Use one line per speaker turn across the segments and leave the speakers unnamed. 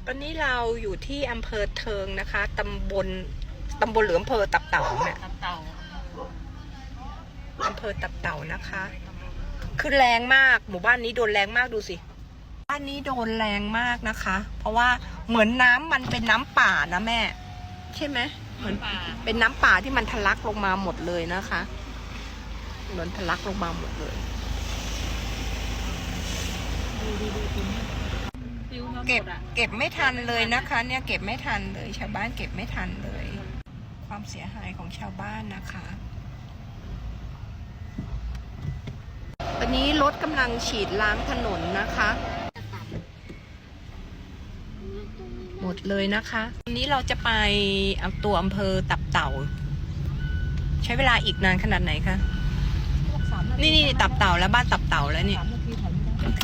อนนี้เราอยู่ที่อำเภอเทิงนะคะตำบลหรืออำเภอตับเต่าเนี่ยอำเภอตับเต่านะคะคือแรงมากหมู่บ้านนี้โดนแรงมากดูสิบ้านนี้โดนแรงมากนะคะเพราะว่าเหมือนน้ำมันเป็นน้ำป่านะแม่ใช่ไหมเหมือนเป็นน้ำป่าที่มันทะลักลงมาหมดเลยนะคะเหมือนทะลักลงมาหมดเลยเก็บไม่ทันเลยนะคะเนี่ยเก็บไม่ทันเลยชาวบ้านเก็บไม่ทันเลยความเสียหายของชาวบ้านนะคะวันนี้รถกำลังฉีดล้างถนนนะคะหมดเลยนะคะวันนี้เราจะไปเอาตัวอำเภอตับเต่าใช้เวลาอีกนานขนาดไหนคะนี่ตับเต่าแล้วบ้านตับเต่าแล้วนี่โอเค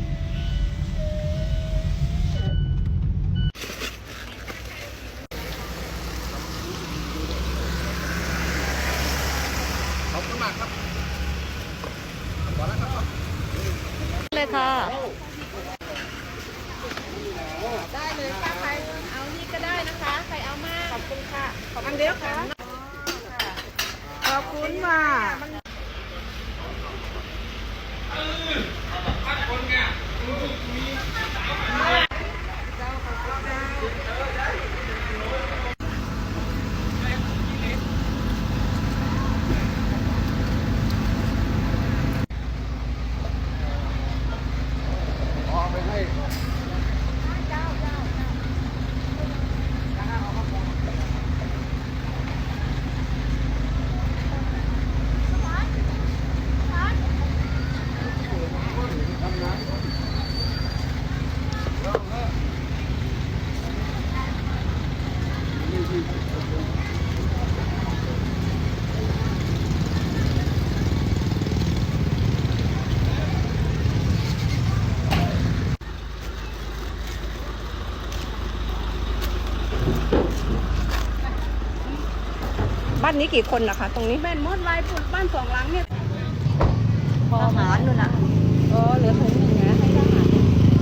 ขอบคุณมากครับขอแล้วครับ
เลยค่ะ
ได้เลยค่ะใครเอานี่ก็ได้นะคะใครเอามากขอบคุณค่ะขอบคุณเดียวค่ะขอบคุณค่ะ
บ้านนี้กี่คนนะคะตรงนี้
แม่นมดลายปุ่นบ้านสองหลังเนี่ย
ทหารนู่นน่ะ
เหลือถุงหนึ่งนะให้ทหาร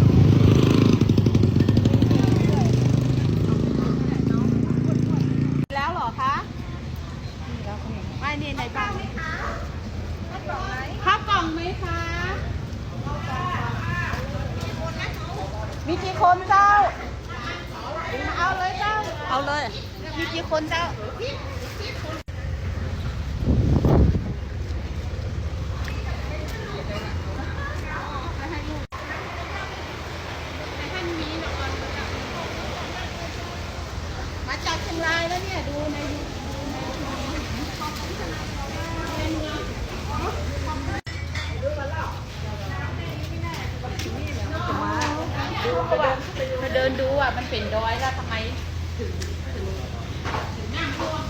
แล้วเหรอคะไม่นี่ในบ้านข้าวกล่องไหมคะมีกี่คนเจ้าเอาเลยเจ้า
เอาเลย
มีกี่คนเจ้ามาจากเชียงรายแล้วเนี่ยดูในมาเดินดูอ่ะมันเป็นดอยแล้วทำไมถึงน้ำท่วม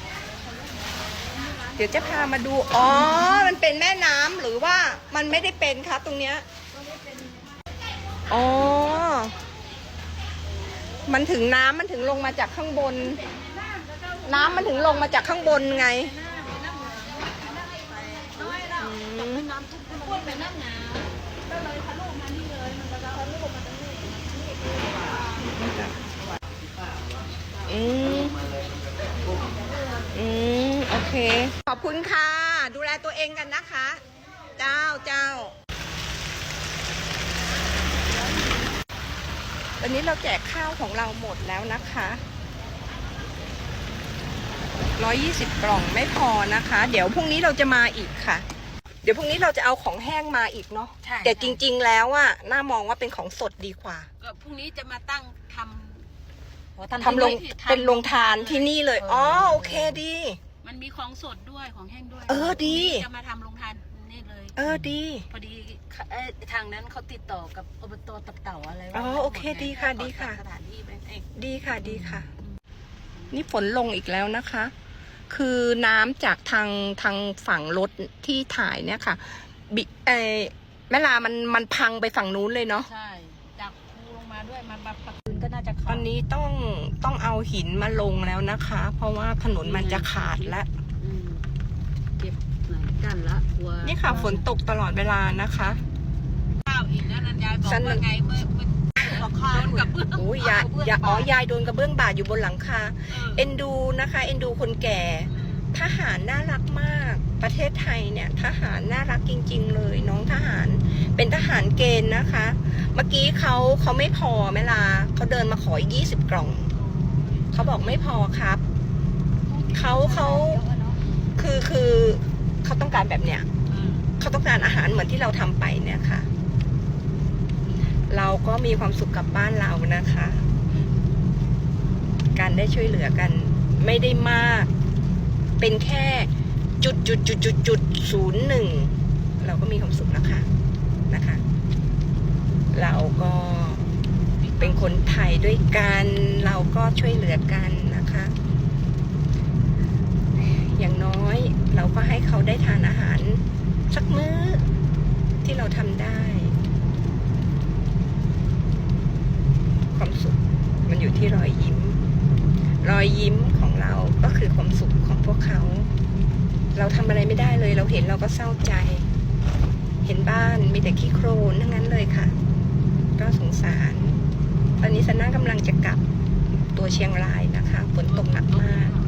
เดี๋ยวจะพามาดูอ๋อมันเป็นแม่น้ำหรือว่ามันไม่ได้เป็นคะตรงเนี้ยอ๋อมันถึงน้ำมันถึงลงมาจากข้างบนน้ำมันถึงลงมาจากข้างบนไงโอเคขอบคุณค่ะดูแลตัวเองกันนะคะเจ้าวันนี้เราแจกข้าวของเราหมดแล้วนะคะ120 กล่องไม่พอนะคะเดี๋ยวพรุ่งนี้เราจะมาอีกค่ะเดี๋ยวพรุ่งนี้เราจะเอาของแห้งมาอีกเนาะแต่จริงๆแล้วอะน่ามองว่าเป็นของสดดีกว่า
ก็พรุ่งนี้จะมาตั้งทำ
ลงเป็นโรงทานที่นี่เลยอ๋อโอเคดี
มันมีของสดด้วยของแห้งด้วย
ดี
จะมาทำโรงทานนี่เลย
ดี
พอดีทางนั้นเขาติดต่อกับอบตตับเต่าอะไร
โอเคดีค่ะ
สถานที่ไป
ดีค่ะนี่ฝนลงอีกแล้วนะคะคือน้ำจากทางฝั่งรถที่ถ่ายเนี่ยค่ะแม่ลามันพังไปฝั่งนู้นเลยเนาะ
ใช่จากภูลงมาด้วยมันมาปักก็น่าจะ
ตอนนี้ต้องเอาหินมาลงแล้วนะคะเพราะว่าถนนมันจะขาดแล้ว
เก็บไหนกันละ
นี่ค่ะฝนตกตลอดเวลานะคะ
ข้าวอีกแล้วนันยายบอกว่าไงเมื่อหลังคาโดนกระเบื้อง
โอ้ยยายโดนกระเบื้องบาดอยู่บนหลังคา เอ็นดูนะคะ เอ็นดูคนแก่ ทหารน่ารักมาก ประเทศไทยเนี่ยทหารน่ารักจริงๆเลยน้องทหาร เป็นทหารเกณฑ์นะคะ เมื่อกี้เขาไม่พอแม่ลาเขาเดินมาขออีก20 กล่อง เขาบอกไม่พอครับ เขาคือเขาต้องการแบบเนี้ย เขาต้องการอาหารเหมือนที่เราทำไปเนี่ยค่ะ เราก็มีความสุขกับบ้านเรานะคะ การได้ช่วยเหลือกันไม่ได้มาก เป็นแค่0.01เราก็มีความสุขแล้วค่ะนะคะ เราก็เป็นคนไทยด้วยกันเราก็ช่วยเหลือกันนะคะ อย่างน้อยเราก็ให้เขาได้ทานอาหารสักมื้อที่เราทำได้ ความสุขมันอยู่ที่รอยยิ้ม รอยยิ้มของเราก็คือความสุขของพวกเขา เราทำอะไรไม่ได้เลยเราเห็นเราก็เศร้าใจ เห็นบ้านมีแต่ขี้โคลนทั้งนั้นเลยค่ะ ก็สงสารตอนนี้ซันน่ากำลังจะกลับตัวเชียงรายนะคะฝนตกหนักมาก